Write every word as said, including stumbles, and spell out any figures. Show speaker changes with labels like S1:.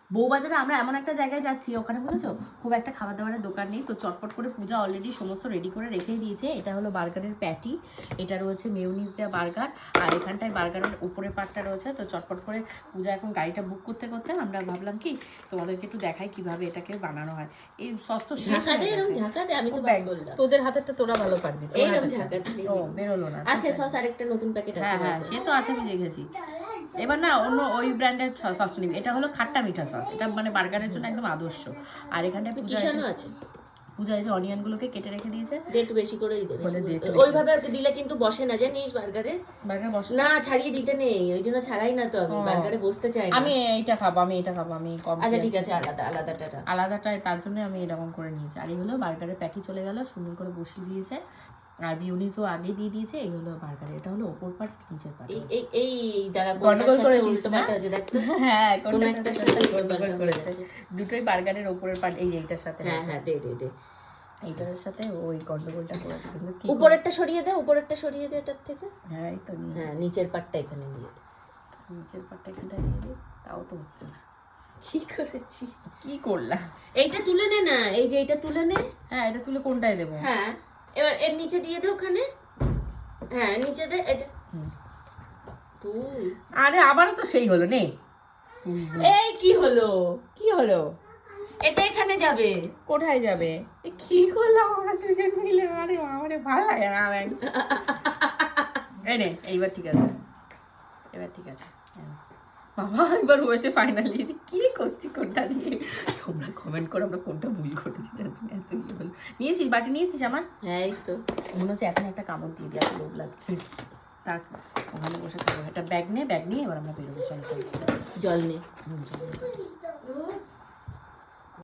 S1: বউবাজারে আমরা এমন একটা জায়গায় যাচ্ছি, ওখানে বুঝেছো খুব একটা খাবার দাবারের দোকান নেই, তো চটপট করে পূজা অলরেডি সমস্ত রেডি করে রেখেই দিয়েছে। এটা হলো বার্গারের প্যাটি, এটা রয়েছে মেয়োনিজ দেওয়া বার্গার, আর এখানটায় বার্গারের উপরের পার্টটা রয়েছে। তো চটপট করে পূজা এখন গাড়িটা বুক করতে করতে আমরা ভাবলাম কি তোমাদেরকে একটু দেখাই কিভাবে এটাকে বানানো হয়। এই সস্ত
S2: ঝাঁকা দে, এরকম ঝাঁকা দে, আমি তো ব্যাগ করলাম।
S1: তোদের হাতেরটা তোরা ভালো পারবি,
S2: এইরকম ঝাঁকা দিলে
S1: ও বেরোলো না।
S2: আচ্ছা সস আরেকটা নতুন প্যাকেট আছে।
S1: হ্যাঁ হ্যাঁ সে তো আছে, আমি দেখেছি। এবার না অন্য ওই ব্র্যান্ডের সস নিবি, এটা হলো খাট্টা মিঠা সস, এটা মানে বার্গারের জন্য একদম আদর্শ। আর এখানটায় পূজা
S2: আছে,
S1: পূজা এই যে অনিয়ন গুলোকে কেটে রেখে দিয়েছে,
S2: একটু বেশি করেই দেবে, ওইভাবে আর দিলে কিন্তু বসে না জানিস বার্গারে।
S1: বার্গার বসে
S2: না, ছাড়িয়ে দিতে নেই, ওই জন্য ছাড়াই না তো, আমি বার্গারে বসতে চাই না।
S1: আমি এইটা খাবো, আমি এটা খাবো, আমি কম।
S2: আচ্ছা ঠিক আছে, আলাদা আলাদাটা
S1: আলাদাটা তার জন্য আমি এরকম করে নিয়েছি। আর এই হলো বার্গারের প্যাটি চলে গেল, সুন্দর করে বসিয়ে দিয়েছে, আর বিউনিসও আগে দিয়ে দিয়েছে। এই হলো বার্গার, এটা হলো ওপর পার্ট, নিচের পার্ট।
S2: এই এই দ্বারা
S1: গন্ডগোল করে
S2: উল্টো পাল্টা আছে, দেখ তো।
S1: হ্যাঁ
S2: কোন একটার সাথে
S1: গন্ডগোল করেছে, দুটোই বার্গারের ওপরের পার্ট এই এইটার সাথে।
S2: হ্যাঁ হ্যাঁ দে দে দে,
S1: এইটার সাথে ওই গন্ডগোলটা করেছে। কিন্তু কি
S2: উপরেরটা সরিয়ে দে, উপরেরটা সরিয়ে দে এটার থেকে।
S1: হ্যাঁ এই তো নিয়ে,
S2: হ্যাঁ নিচের পার্টটা এখানে দিয়ে দে,
S1: নিচের পার্টটা এখানটা দিয়ে দিই, তাও তো হচ্ছে না।
S2: কি করেছিস?
S1: কি করলাম?
S2: এইটা তুলে নে না, এই যে এইটা তুলে নে।
S1: হ্যাঁ এটা তুলে কোনটায় দেবো?
S2: হ্যাঁ এবার এর নিচে দিয়ে দে ওখানে, হ্যাঁ নিচে দে এটা। তুই
S1: আরে আবারও তো সেই হলো নে।
S2: এই কি হলো?
S1: কি হলো?
S2: এটা এখানে যাবে।
S1: কোথায় যাবে? কি করলাম আমরা দুজন মিলে? আরে আমারে ভালো লাগে না। এই নে, এইবার ঠিক আছে, এবার ঠিক আছে। বাবা এবার হয়েছে ফাইনালি। কি করছি কোনটা দিয়ে? তোমরা কমেন্ট করো আমরা কোনটা ভুল করেছি, তার জন্য এত ইয়ে হলো। নিয়েছিস বাটি, নিয়েছিস আমার?
S2: হ্যাঁ এই তো
S1: মনে হচ্ছে এখন একটা কামড় দিয়ে দিয়ে লোভ লাগছে। তার ওখানে বসে খাবো। একটা ব্যাগ নে, ব্যাগ নিয়ে এবার আমরা বেরোবো। চলো চলো,
S2: জল নে।
S1: হুম, চলো।